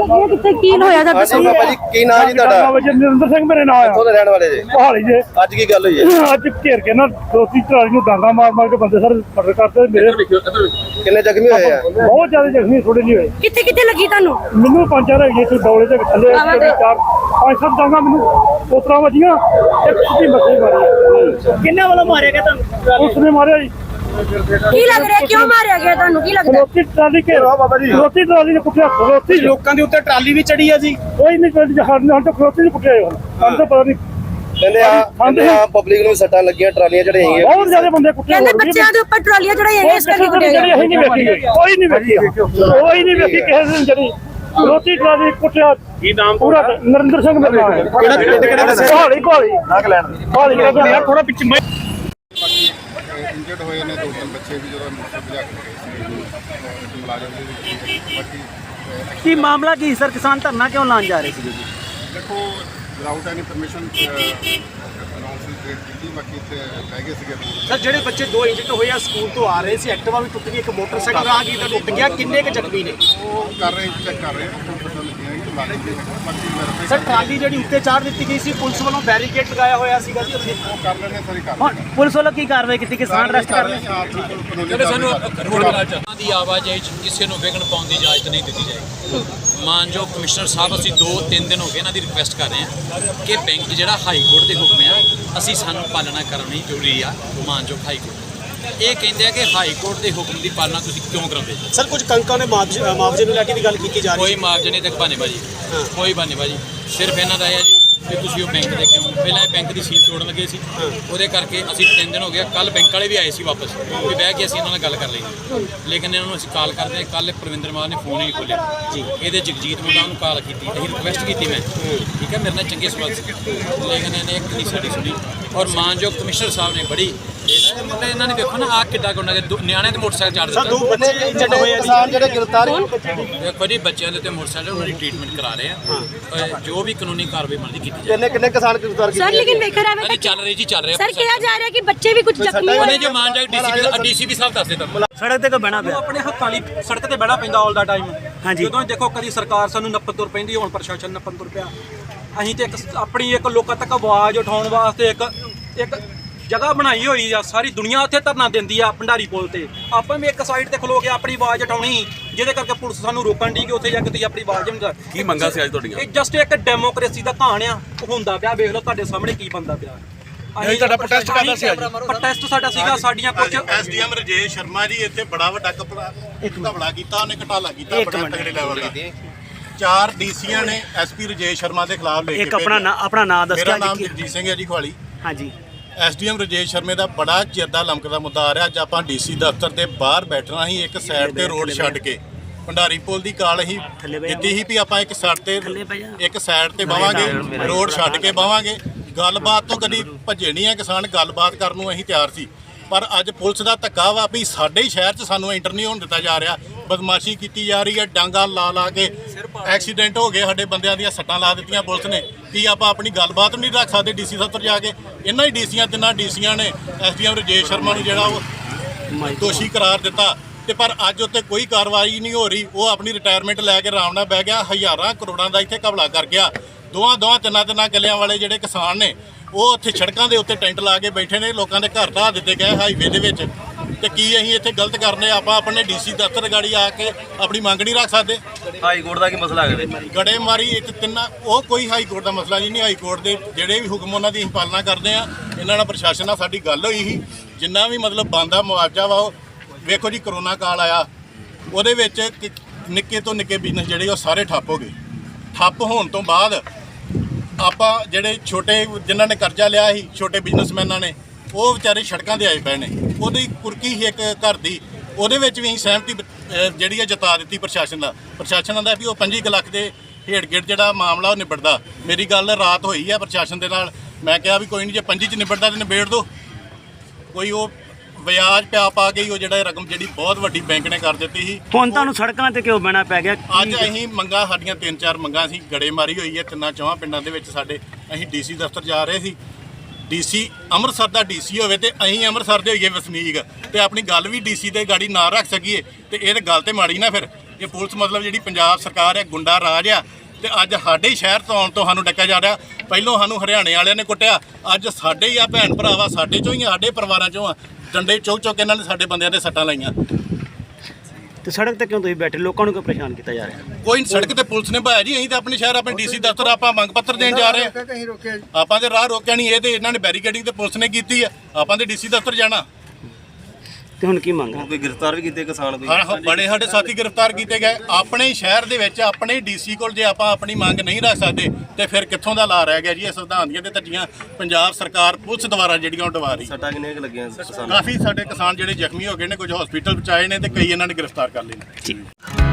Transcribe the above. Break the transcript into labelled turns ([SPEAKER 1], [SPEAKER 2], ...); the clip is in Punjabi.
[SPEAKER 1] ਇਹ ਕਿੱਥੇ ਕੀ ਹੋਇਆ ਦਾ ਦੱਸੋ
[SPEAKER 2] ਬਾਬਾ ਜੀ ਕੀ ਨਾਮ ਜੀ ਤੁਹਾਡਾ?
[SPEAKER 3] ਨਰਿੰਦਰ ਸਿੰਘ ਮੇਰੇ ਨਾਂ ਆ।
[SPEAKER 2] ਕਿੱਥੋਂ ਦੇ ਰਹਿਣ ਵਾਲੇ ਜੀ?
[SPEAKER 3] ਹਾਲੀ ਜੇ
[SPEAKER 2] ਅੱਜ ਕੀ ਗੱਲ ਹੋਈ ਹੈ?
[SPEAKER 3] ਅੱਜ ਘੇਰ ਕੇ ਨਾ ਦੋਸਤੀ ਟਰਾਲੀ ਨੂੰ ਡਾਂਗਾ ਮਾਰ ਮਾਰ ਕੇ ਬੰਦੇ ਸਾਰੇ ਮਰਡਰ ਕਰਤੇ। ਮੇਰੇ
[SPEAKER 2] ਕਿੰਨੇ ਜ਼ਖਮੀ ਹੋਏ ਆ?
[SPEAKER 3] ਬਹੁਤ ਜ਼ਿਆਦਾ ਜ਼ਖਮੀ, ਥੋੜੇ ਨਹੀਂ ਹੋਏ।
[SPEAKER 1] ਕਿੱਥੇ ਕਿੱਥੇ ਲੱਗੀ ਤੁਹਾਨੂੰ?
[SPEAKER 3] ਮੈਨੂੰ ਪੰਜ ਚਾਰ ਹੈਗੇ ਸੀ ਡੌਲੇ ਦੇ ਥੱਲੇ, ਚਾਰ ਪੰਜ ਸੱਤ ਡਾਂਗਾ ਮੈਨੂੰ ਉਤਰਾ ਵੱਜੀਆਂ, ਇੱਕ ਸਿੱਧੀ ਮੱਥੇ ਮਾਰੀ।
[SPEAKER 4] ਕਿੰਨਾ ਵੱਲੋਂ ਮਾਰਿਆ ਗਿਆ ਤੁਹਾਨੂੰ?
[SPEAKER 3] ਉਸਨੇ ਮਾਰਿਆ ਜੀ।
[SPEAKER 1] ਕੀ ਲੱਗ ਰਿਹਾ ਕਿਉਂ ਮਾਰਿਆ ਗਿਆ ਤੁਹਾਨੂੰ? ਕੀ ਲੱਗਦਾ?
[SPEAKER 3] ਰੋਟੀ ਟਰਾਲੀ ਘੇਰਾ ਬਾਬਾ ਜੀ, ਰੋਟੀ ਟਰਾਲੀ ਨੇ ਕੁੱਟਿਆ। ਰੋਟੀ
[SPEAKER 4] ਲੋਕਾਂ ਦੇ ਉੱਤੇ ਟਰਾਲੀ ਵੀ ਚੜੀ ਆ ਜੀ।
[SPEAKER 3] ਕੋਈ ਨਹੀਂ ਕੋਈ ਹਰ ਤਾਂ ਰੋਟੀ ਨਹੀਂ ਕੁੱਟਿਆ ਹੁਣ ਸਾਨੂੰ ਤਾਂ ਪਤਾ ਨਹੀਂ।
[SPEAKER 2] ਕਹਿੰਦੇ ਆ ਪਬਲਿਕ ਨੂੰ ਸੱਟਾਂ ਲੱਗੀਆਂ, ਟਰਾਲੀਆਂ ਚੜਾਈਆਂ।
[SPEAKER 3] ਬਹੁਤ ਜ਼ਿਆਦਾ ਬੰਦੇ ਕੁੱਟੇ।
[SPEAKER 1] ਕਹਿੰਦੇ ਬੱਚਿਆਂ ਦੇ ਉੱਪਰ ਟਰਾਲੀਆਂ ਚੜਾਈਆਂ ਇਸ ਕਰਕੇ ਕੁੱਟਿਆ ਗਿਆ।
[SPEAKER 3] ਅਸੀਂ ਨਹੀਂ ਵੇਖੀ, ਕੋਈ ਨਹੀਂ ਵੇਖੀ, ਕੋਈ ਨਹੀਂ ਵੇਖੀ ਕਿਸੇ ਦਿਨ ਜਿਹੜੀ ਰੋਟੀ ਟਰਾਲੀ ਕੁੱਟਿਆ।
[SPEAKER 4] ਕੀ ਨਾਮ
[SPEAKER 3] ਪੂਰਾ ਨਰਿੰਦਰ ਸਿੰਘ ਮੇਰਾ ਨਾਮ ਹੈ।
[SPEAKER 2] ਕਿਹੜਾ ਪਿੰਡ ਕਿਹੜਾ ਦੱਸਿਆ?
[SPEAKER 3] ਕੋਹਲੀ
[SPEAKER 4] ਥੋੜਾ ਪਿੱਛੇ
[SPEAKER 5] ਇੰਜਰਡ ਹੋਏ ਨੇ 2-3 ਬੱਚੇ ਵੀ ਜਦੋਂ ਭਜਾ ਕੇ ਗਏ ਸੀ ਮੁਲਾਜ਼ਮ ਦੇ ਵਿੱਚ। ਬਾਕੀ
[SPEAKER 4] ਕੀ ਮਾਮਲਾ ਕੀ ਸਰ? ਕਿਸਾਨ ਧਰਨਾ ਕਿਉਂ ਲਾਉਣ ਜਾ ਰਹੇ ਸੀ ਜੀ?
[SPEAKER 5] ਦੇਖੋ ਵਿਦਆਊਟ ਐਨੀ ਪਰਮਿਸ਼ਨ ਅਨਾਉਂਸਮੈਂਟ ਕੀਤੀ। ਬਾਕੀ ਇੱਥੇ ਲੈ ਗਏ ਸੀਗੇ।
[SPEAKER 4] ਸਰ ਜਿਹੜੇ ਬੱਚੇ 2 ਇੰਜਰਡ ਹੋਏ ਆ ਸਕੂਲ ਤੋਂ ਆ ਰਹੇ ਸੀ, ਐਕਟਿਵਾ ਵੀ ਟੁੱਟ ਗਈ, ਇੱਕ ਮੋਟਰਸਾਈਕਲ ਰਾਹਗੀਰ ਦਾ ਟੁੱਟ ਗਿਆ, ਕਿੰਨੇ ਕੁ ਜ਼ਖਮੀ ਨੇ?
[SPEAKER 5] ਉਹ ਕਰ ਰਹੇ ਚੈੱਕ ਕਰ ਰਹੇ ਨੇ, ਪਤਾ ਲੱਗਿਆ ਕਿ ਮੁਲਾਜ਼ਮ ਦੇ ਬਾਕੀ ਵੈਰੀਫਾਈ
[SPEAKER 4] ਸਰ ਟਰਾਲੀ ਜਿਹੜੀ ਉੱਤੇ ਚਾੜ ਦਿੱਤੀ ਗਈ ਸੀ, ਪੁਲਿਸ ਵੱਲੋਂ ਬੈਰੀਕੇਡ ਲਗਾਇਆ ਹੋਇਆ ਸੀਗਾ ਜੀ ਉੱਥੇ।
[SPEAKER 5] ਉਹ ਕਰ ਲੈਣੇ ਸਾਰੀ ਕਰ
[SPEAKER 4] ਹੁਣ ਪੁਲਿਸ ਵੱਲੋਂ ਕੀ ਕਾਰਵਾਈ ਕੀਤੀ? ਕਿਸਾਨ ਅਰੈਸਟ ਕਰ ਲਏ?
[SPEAKER 5] ਜਿਹੜੇ ਸਾਨੂੰ
[SPEAKER 6] ਦੀ ਆਵਾਜਾਈ 'ਚ ਕਿਸੇ ਨੂੰ ਵਿਘਨ ਪਾਉਣ ਦੀ ਇਜਾਜ਼ਤ ਨਹੀਂ ਦਿੱਤੀ ਜਾਏਗੀ। ਮਾਨਯੋਗ ਕਮਿਸ਼ਨਰ ਸਾਹਿਬ, ਅਸੀਂ 2-3 ਦਿਨ ਹੋ ਗਏ ਇਹਨਾਂ ਦੀ ਰਿਕੁਐਸਟ ਕਰ ਰਹੇ ਹਾਂ ਕਿ ਬੈਂਕ ਜਿਹੜਾ ਹਾਈ ਕੋਰਟ ਦੇ ਹੁਕਮ ਆ, ਅਸੀਂ ਸਾਨੂੰ ਪਾਲਣਾ ਕਰਨੀ ਜ਼ਰੂਰੀ ਆ। ਮਾਨਯੋਗ ਹਾਈ ਕੋਰਟ ਇਹ ਕਹਿੰਦੇ ਆ ਕਿ ਹਾਈ ਕੋਰਟ ਦੇ ਹੁਕਮ ਦੀ ਪਾਲਣਾ ਤੁਸੀਂ ਕਿਉਂ ਕਰਾਉਂਦੇ?
[SPEAKER 4] ਸਰ ਕੁਝ ਕੰਕਾਂ ਨੇ ਮੁਆਵਜ਼ੇ ਨੂੰ ਲੈ ਕੇ ਵੀ ਗੱਲ ਕੀਤੀ ਜਾ ਰਹੀ
[SPEAKER 6] ਕੋਈ ਮੁਆਵਜ਼ੇ ਨਹੀਂ ਤੱਕ ਬਾਨੇਬਾਜੀ, ਕੋਈ ਬਾਨੇਬਾਜੀ। ਸਿਰਫ ਇਹਨਾਂ ਦਾ ਇਹ ਆ ਜੀ ਕਿ ਤੁਸੀਂ ਉਹ ਬੈਂਕ ਦੇ ਕਿਉਂ ਪਹਿਲਾਂ ਇਹ ਬੈਂਕ ਦੀ ਸੀਲ ਤੋੜਨ ਲੱਗੇ ਸੀ, ਉਹਦੇ ਕਰਕੇ ਅਸੀਂ 3 ਦਿਨ ਹੋ ਗਿਆ। ਕੱਲ ਬੈਂਕ ਵਾਲੇ ਵੀ ਆਏ ਸੀ ਵਾਪਸ, ਵੀ ਬਹਿ ਕੇ ਅਸੀਂ ਇਹਨਾਂ ਨਾਲ ਗੱਲ ਕਰ ਲਈ, ਲੇਕਿਨ ਇਹਨਾਂ ਨੂੰ ਅਸੀਂ ਕਾਲ ਕਰਦੇ। ਕੱਲ ਪ੍ਰਵਿੰਦਰ ਮਾਨ ਨੇ ਫੋਨ ਹੀ ਨਹੀਂ ਖੋਲ੍ਹਿਆ ਜੀ। ਇਹਦੇ ਜਗਜੀਤ ਮੁੰਡਾ ਉਹਨੂੰ ਕਾਲ ਕੀਤੀ, ਅਸੀਂ ਰਿਕੁਐਸਟ ਕੀਤੀ ਮੈਂ, ਠੀਕ ਹੈ, ਮੇਰੇ ਨਾਲ ਚੰਗੇ ਸਵਾਲ ਸੀ, ਲੇਕਿਨ ਇਹਨੇ ਇੱਕ ਨਹੀਂ ਸਾਡੀ ਸੁਣੀ। ਔਰ ਮਾਨਯੋਗ ਕਮਿਸ਼ਨਰ ਸਾਹਿਬ ਨੇ ਬੜੀ ਇਹਨਾਂ ਨੇ ਦੇਖੋ ਨਾ ਆਹ ਕਿੱਡਾ ਗੁੰਡਾ ਨਿਆਣੇ ਤੇ ਮੋਟਰਸਾਈਕਲ ਚਾੜ ਦਿੱਤਾ।
[SPEAKER 4] 2 ਬੱਚੇ ਇੰਜਰਡ ਹੋਏ ਆ ਜੀ।
[SPEAKER 2] ਕਿਸਾਨ ਜਿਹੜੇ ਗ੍ਰਿਫਤਾਰ
[SPEAKER 6] ਦੇਖੋ ਜੀ ਬੱਚਿਆਂ ਦੇ ਉੱਤੇ ਮੋਟਰਸਾਈਕਲ ਉਹਨਾਂ ਦੀ ਟ੍ਰੀਟਮੈਂਟ ਕਰਾ ਰਹੇ ਆ, ਜੋ ਵੀ ਕਾਨੂੰਨੀ ਕਾਰਵਾਈ ਬਣਦੀ ਕੀਤੀ ਜਾਏ।
[SPEAKER 2] ਕਿੰਨੇ ਕਿਸਾਨ ਗ੍ਰਿਫਤਾਰ ਕੀਤੇ?
[SPEAKER 1] ਸਰ ਲੇਕਿਨ ਵੇਖ ਰਿਹਾ
[SPEAKER 6] ਅਰੇ ਚੱਲ ਰਹੀ ਜੀ, ਚੱਲ ਰਿਹਾ।
[SPEAKER 1] ਸਰ ਕਿਹਾ ਜਾ ਰਿਹਾ ਕਿ ਬੱਚੇ ਵੀ ਕੁਝ ਜ਼ਖਮੀ
[SPEAKER 6] ਉਹਨੇ
[SPEAKER 1] ਹੋਏ।
[SPEAKER 6] ਜੋ ਮਾਨਯੋਗ ਡੀਸੀਪੀ ਸਾਹਿਬ ਦੱਸਦੇ ਤਾਂ
[SPEAKER 4] ਸੜਕ ਤੇ ਕੋ ਬਹਿਣਾ ਪਿਆ?
[SPEAKER 7] ਆਪਣੇ ਹੱਕਾਂ ਲਈ ਸੜਕ ਤੇ ਬਹਿਣਾ ਪੈਂਦਾ ਆਲ ਦਾ ਟਾਈਮ।
[SPEAKER 4] ਹਾਂਜੀ।
[SPEAKER 7] ਜਦੋਂ ਦੇਖੋ ਕਦੀ ਸਰਕਾਰ ਸਾਨੂੰ ਨੱਪਣ ਤੁਰ ਪੈਂਦੀ, ਹੁਣ ਪ੍ਰਸ਼ਾਸਨ ਨੱਪਣ ਤੁਰ ਪਿਆ। ਅਸੀਂ ਤੇ ਆਪਣੀ ਇੱਕ ਲੋਕਾਂ ਤੱਕ ਆਵਾਜ਼ ਉਠਾਉਣ ਵਾਸਤੇ ਇੱਕ ਜਗ੍ਹਾ ਬਣਾਈ ਹੋਈ ਆ। ਸਾਰੀ ਦੁਨੀਆ ਉੱਥੇ ਧਰਨਾ ਦਿੰਦੀ ਆ ਭੰਡਾਰੀ ਪੁਲ ਤੇ। ਆਪਾਂ ਵੀ ਇੱਕ ਸਾਈਡ ਤੇ ਖਲੋ ਕੇ ਆਪਣੀ ਆਵਾਜ਼ ਉਠਾਉਣੀ, ਜਿਹਦੇ ਕਰਕੇ ਪੁਲਿਸ ਸਾਨੂੰ ਰੋਕਣ ਦੀ ਕਿ ਉੱਥੇ ਜਾ ਕੇ ਤੁਸੀਂ ਆਪਣੀ ਆਵਾਜ਼ ਨਹੀਂ।
[SPEAKER 8] ਕੀ ਮੰਗਾ ਸੀ ਅੱਜ ਤੁਹਾਡੀਆਂ?
[SPEAKER 7] ਇਹ ਜਸਟ ਇੱਕ ਡੈਮੋਕ੍ਰੇਸੀ ਦਾ ਕਹਾਣ ਆ, ਹੁੰਦਾ ਪਿਆ। ਵੇਖ ਲਓ ਤੁਹਾਡੇ ਸਾਹਮਣੇ ਕੀ ਬੰਦਾ ਪਿਆ।
[SPEAKER 8] ਅਸੀਂ ਤੁਹਾਡਾ ਪ੍ਰੋਟੈਸਟ ਕਰਦਾ ਸੀ ਅੱਜ?
[SPEAKER 7] ਪ੍ਰੋਟੈਸਟ ਸਾਡਾ ਸੀਗਾ, ਸਾਡੀਆਂ ਕੁਝ
[SPEAKER 5] ਐਸਡੀਐਮ ਰਜੇਸ਼ ਸ਼ਰਮਾ ਜੀ ਇੱਥੇ ਬੜਾ ਵੱਡਾ ਘਪਲਾ ਕੀਤਾ, ਉਹਨੇ ਘਟਾਲਾ ਕੀਤਾ ਬੜਾ ਤਗੜੇ ਲੈਵਲ ਦਾ। 4 ਡੀਸੀਆਂ ਨੇ ਐਸਪੀ ਰਜੇਸ਼ ਸ਼ਰਮਾ ਦੇ ਖਿਲਾਫ ਲੈ ਕੇ
[SPEAKER 4] ਇੱਕ ਆਪਣਾ ਨਾਮ ਦੱਸਿਆ
[SPEAKER 5] ਮੇਰਾ ਨਾਮ
[SPEAKER 4] ਜੀ।
[SPEAKER 5] ਜਗਜੀਤ ਸਿੰਘ ਹੈ ਜੀ ਖਵਾਲੀ।
[SPEAKER 4] ਹਾਂਜੀ।
[SPEAKER 5] ਐਸਡੀਐਮ ਰਜੇਸ਼ ਸ਼ਰਮੇ ਦਾ ਬੜਾ ਚਿਰ ਦਾ ਲਮਕਦਾ ਮੁੱਦਾ ਆ ਰਿਹਾ। ਅੱਜ ਆਪਾਂ ਡੀਸੀ ਦਫ਼ਤਰ ਦੇ ਬਾਹਰ ਬੈਠਣਾ ਸੀ, ਇੱਕ ਸਾਈਡ ਤੇ ਰੋਡ ਛੱਡ ਕੇ ਭੰਡਾਰੀ ਪੁਲ ਦੀ ਕਾਲ ਹੀ ਦਿੱਤੀ ਸੀ ਵੀ ਆਪਾਂ ਇੱਕ ਸਾਈਡ ਤੇ ਬਾਵਾਂਗੇ, ਰੋਡ ਛੱਡ ਕੇ ਬਾਵਾਂਗੇ। ਗੱਲਬਾਤ ਤੋਂ ਕਦੀ ਭੱਜੇ ਨਹੀਂ ਆ ਕਿਸਾਨ, ਗੱਲਬਾਤ ਕਰਨ ਨੂੰ ਅਸੀਂ ਤਿਆਰ ਸੀ। ਪਰ ਅੱਜ ਪੁਲਿਸ ਦਾ ਧੱਕਾ ਵਾ ਵੀ ਸਾਡੇ ਹੀ ਸ਼ਹਿਰ 'ਚ ਸਾਨੂੰ ਐਂਟਰ ਨਹੀਂ ਹੋਣ ਦਿੱਤਾ ਜਾ ਰਿਹਾ। ਬਦਮਾਸ਼ੀ ਕੀਤੀ ਜਾ ਰਹੀ ਹੈ, ਡਾਂਗਾ ਲਾ ਕੇ ਐਕਸੀਡੈਂਟ ਹੋ ਗਏ, ਸਾਡੇ ਬੰਦਿਆਂ ਦੀਆਂ ਸੱਟਾਂ ਲਾ ਦਿੱਤੀਆਂ ਪੁਲਿਸ ਨੇ। ਕੀ ਆਪਾਂ ਆਪਣੀ ਗੱਲਬਾਤ ਨਹੀਂ ਰੱਖ ਸਕਦੇ ਡੀਸੀ ਦਫ਼ਤਰ ਜਾ ਕੇ? ਇਹਨਾਂ ਹੀ ਤਿੰਨਾਂ ਡੀਸੀਆਂ ਨੇ ਐਸਡੀਐਮ ਰਜੇਸ਼ ਸ਼ਰਮਾ ਨੂੰ ਜਿਹੜਾ ਉਹ ਦੋਸ਼ੀ ਕਰਾਰ ਦਿੱਤਾ, ਤੇ ਪਰ ਅੱਜ ਉੱਤੇ ਕੋਈ ਕਾਰਵਾਈ ਨਹੀਂ ਹੋ ਰਹੀ। ਉਹ ਆਪਣੀ ਰਿਟਾਇਰਮੈਂਟ ਲੈ ਕੇ ਆਰਾਮ ਨਾਲ ਬਹਿ ਗਿਆ। ਹਜ਼ਾਰਾਂ ਕਰੋੜਾਂ ਦਾ ਇੱਥੇ ਘਪਲਾ ਕਰ ਗਿਆ। ਤਿੰਨਾਂ ਗੱਲਿਆਂ ਵਾਲੇ ਜਿਹੜੇ ਕਿਸਾਨ ਨੇ ਉਹ ਉੱਥੇ ਸੜਕਾਂ ਦੇ ਉੱਤੇ ਟੈਂਟ ਲਾ ਕੇ ਬੈਠੇ ਨੇ। ਲੋਕਾਂ ਦੇ ਘਰ ਢਾਹ ਦਿੱਤੇ ਗਏ ਹਾਈਵੇ ਦੇ ਵਿੱਚ। ਤੇ ਕੀ ਅਸੀਂ ਇੱਥੇ ਗਲਤ ਕਰਨੇ? ਆਪਾਂ ਆਪਣੇ ਡੀਸੀ ਦਫ਼ਤਰ ਗਾੜੀ ਆ ਕੇ ਆਪਣੀ ਮੰਗ ਨਹੀਂ ਰੱਖ ਸਕਦੇ?
[SPEAKER 8] ਹਾਈ ਕੋਰਟ ਦਾ ਕੀ ਮਸਲਾ ਹੈ?
[SPEAKER 5] ਗੜੇਮਾਰੀ ਇੱਥੇ ਤਿੰਨਾਂ, ਉਹ ਕੋਈ ਹਾਈ ਕੋਰਟ ਦਾ ਮਸਲਾ ਨਹੀਂ। ਹਾਈ ਕੋਰਟ ਦੇ ਜਿਹੜੇ ਵੀ ਹੁਕਮ ਉਹਨਾਂ ਦੀ ਅਸੀਂ ਪਾਲਣਾ ਕਰਦੇ ਆ। ਇਹਨਾਂ ਨਾਲ ਪ੍ਰਸ਼ਾਸਨ ਨਾਲ ਸਾਡੀ ਗੱਲ ਹੋਈ ਸੀ, ਜਿੰਨਾ ਵੀ ਮਤਲਬ ਬਣਦਾ ਮੁਆਵਜ਼ਾ ਵਾ ਉਹ ਵੇਖੋ ਜੀ। ਕਰੋਨਾ ਕਾਲ ਆਇਆ, ਉਹਦੇ ਵਿੱਚ ਨਿੱਕੇ ਤੋਂ ਨਿੱਕੇ ਬਿਜ਼ਨਸ ਜਿਹੜੇ ਉਹ ਸਾਰੇ ਠੱਪ ਹੋ ਗਏ। ਠੱਪ ਹੋਣ ਤੋਂ ਬਾਅਦ ਆਪਾਂ ਜਿਹੜੇ ਛੋਟੇ ਜਿਨ੍ਹਾਂ ਨੇ ਕਰਜ਼ਾ ਲਿਆ ਸੀ, ਛੋਟੇ ਬਿਜ਼ਨਸਮੈਨਾਂ ਨੇ, ਉਹ ਵਿਚਾਰੇ ਸੜਕਾਂ 'ਤੇ ਆਏ ਪਏ ਨੇ। ਉਹਦੀ ਕੁਰਕੀ ਸੀ ਇੱਕ ਘਰ ਦੀ, ਉਹਦੇ ਵਿੱਚ ਵੀ ਅਸੀਂ ਸਹਿਮਤੀ ਜਿਹੜੀ ਹੈ ਜਤਾ ਦਿੱਤੀ ਪ੍ਰਸ਼ਾਸਨ ਦਾ। ਪ੍ਰਸ਼ਾਸਨ ਦਾ ਵੀ ਉਹ 25 ਲੱਖ ਦੇ ਹੇਠ ਜਿਹੜਾ ਮਾਮਲਾ ਉਹ ਨਿਬੜਦਾ। ਮੇਰੀ ਗੱਲ ਰਾਤ ਹੋਈ ਹੈ ਪ੍ਰਸ਼ਾਸਨ ਦੇ ਨਾਲ। ਮੈਂ ਕਿਹਾ ਵੀ ਕੋਈ ਨਹੀਂ, ਜੇ 25 'ਚ ਨਿਬੜਦਾ ਤਾਂ ਨਿਬੇੜ ਦਿਓ। ਕੋਈ ਉਹ ਵਿਆਜ ਪਾ ਗਈ ਉਹ ਜਿਹੜਾ ਰਕਮ ਜਿਹੜੀ ਬਹੁਤ ਵੱਡੀ ਬੈਂਕ ਨੇ ਕਰ ਦਿੱਤੀ ਸੀ।
[SPEAKER 4] ਹੁਣ ਤੁਹਾਨੂੰ ਸੜਕਾਂ ਤੇ ਕਿਉਂ ਬਹਿਣਾ ਪੈ ਗਿਆ?
[SPEAKER 5] ਅੱਜ ਅਸੀਂ ਮੰਗਾਂ, ਸਾਡੀਆਂ 3-4 ਮੰਗਾਂ ਸੀ। ਗੜੇਮਾਰੀ ਹੋਈ ਹੈ 3-4 ਪਿੰਡਾਂ ਦੇ ਵਿੱਚ ਸਾਡੇ। ਅਸੀਂ ਡੀਸੀ ਦਫ਼ਤਰ ਜਾ ਰਹੇ ਸੀ। ਡੀਸੀ ਅੰਮ੍ਰਿਤਸਰ ਦਾ ਡੀਸੀ ਹੋਵੇ ਤੇ ਅਸੀਂ ਅੰਮ੍ਰਿਤਸਰ ਦੇ ਹੋਈਏ ਵਸਨੀਕ, ਤੇ ਆਪਣੀ ਗੱਲ ਵੀ ਡੀਸੀ ਦੇ ਗਾੜੀ ਨਾ ਰੱਖ ਸਕੀਏ ਤੇ ਇਹ ਤਾਂ ਗੱਲ ਤੇ ਮਾੜੀ ਨਾ। ਫਿਰ ਇਹ ਪੁਲਿਸ ਮਤਲਬ ਜਿਹੜੀ ਪੰਜਾਬ ਸਰਕਾਰ ਹੈ ਗੁੰਡਾ ਰਾਜ ਆ ਤੇ ਅੱਜ ਸਾਡੇ ਹੀ ਸ਼ਹਿਰ ਤੋਂ ਆਉਣ ਤੋਂ ਸਾਨੂੰ ਡੱਕਿਆ ਜਾ ਰਿਹਾ। ਪਹਿਲੋਂ ਸਾਨੂੰ ਹਰਿਆਣੇ ਵਾਲਿਆਂ ਨੇ ਕੁੱਟਿਆ, ਅੱਜ ਸਾਡੇ ਹੀ ਆ ਭੈਣ ਭਰਾਵਾ ਸਾਡੇ ਚੋਂ ਹੀ ਆ, ਸਾਡੇ ਪਰਿਵਾਰਾਂ ਚੋਂ ਆ, ਡੰਡੇ ਚੁੱਕ ਚੁੱਕ ਇਹਨਾਂ ਨੇ ਸਾਡੇ ਬੰਦਿਆਂ ਦੇ ਸੱਟਾਂ ਲਾਈਆਂ।
[SPEAKER 4] ਤੇ ਸੜਕ ਤੇ ਕਿਉਂ ਤੁਸੀਂ ਬੈਠੇ, ਲੋਕਾਂ ਨੂੰ ਕਿਉਂ ਪਰੇਸ਼ਾਨ ਕੀਤਾ ਜਾ ਰਿਹਾ?
[SPEAKER 5] ਕੋਈ ਸੜਕ ਤੇ ਪੁਲਿਸ ਨੇ ਭਾਇਆ ਜੀ, ਅਸੀਂ ਤਾਂ ਆਪਣੇ ਸ਼ਹਿਰ ਆਪਣੇ ਡੀਸੀ ਦਫ਼ਤਰ ਆਪਾਂ ਮੰਗ ਪੱਤਰ ਦੇਣ ਜਾ ਰਹੇ ਹਾਂ। ਆਪਾਂ ਤੇ ਰਾਹ ਰੋਕਿਆ ਨਹੀਂ, ਇਹ ਤੇ ਇਹਨਾਂ ਨੇ ਬੈਰੀਕੇਡਿੰਗ ਤੇ ਪੁਲਿਸ ਨੇ ਕੀਤੀ ਆ, ਆਪਾਂ ਤੇ ਡੀਸੀ ਦਫ਼ਤਰ ਜਾਣਾ।
[SPEAKER 4] ਤੇ ਹੁਣ ਕੀ ਮੰਗ?
[SPEAKER 8] ਕੋਈ ਗ੍ਰਿਫਤਾਰ ਵੀ ਕੀਤੇ ਕਿਸਾਨ ਕੋਈ?
[SPEAKER 5] ਹਾਂ ਬੜੇ ਸਾਡੇ ਸਾਥੀ ਗ੍ਰਿਫਤਾਰ ਕੀਤੇ ਗਏ ਆਪਣੇ ਹੀ ਸ਼ਹਿਰ ਦੇ ਵਿੱਚ, ਆਪਣੇ ਡੀਸੀ ਕੋਲ ਜੇ ਆਪਾਂ ਆਪਣੀ ਮੰਗ ਨਹੀਂ ਰੱਖ ਸਕਦੇ ਤੇ ਫਿਰ ਕਿੱਥੋਂ ਦਾ ਲਾ ਰਹਿ ਗਿਆ ਜੀ? ਇਹ ਸੰਵਿਧਾਨ ਦੀਆਂ ਤੇ ਧੱਜੀਆਂ ਪੰਜਾਬ ਸਰਕਾਰ ਪੁਲਿਸ ਦੁਆਰਾ ਜਿਹੜੀਆਂ ਉਹ ਡਵਾ ਰਹੀ।
[SPEAKER 8] ਸੱਟਾਂ ਕਿੰਨੀਆਂ ਕੁ ਲੱਗੀਆਂ ਕਿਸਾਨ?
[SPEAKER 5] ਕਾਫੀ ਸਾਡੇ ਕਿਸਾਨ ਜਿਹੜੇ ਜ਼ਖਮੀ ਹੋ ਗਏ ਨੇ, ਕੁਝ ਹਸਪੀਟਲ ਪਹੁੰਚਾਏ ਨੇ ਤੇ ਕਈ ਇਹਨਾਂ ਨੇ ਗ੍ਰਿਫਤਾਰ ਕਰ ਲਏ ਨੇ।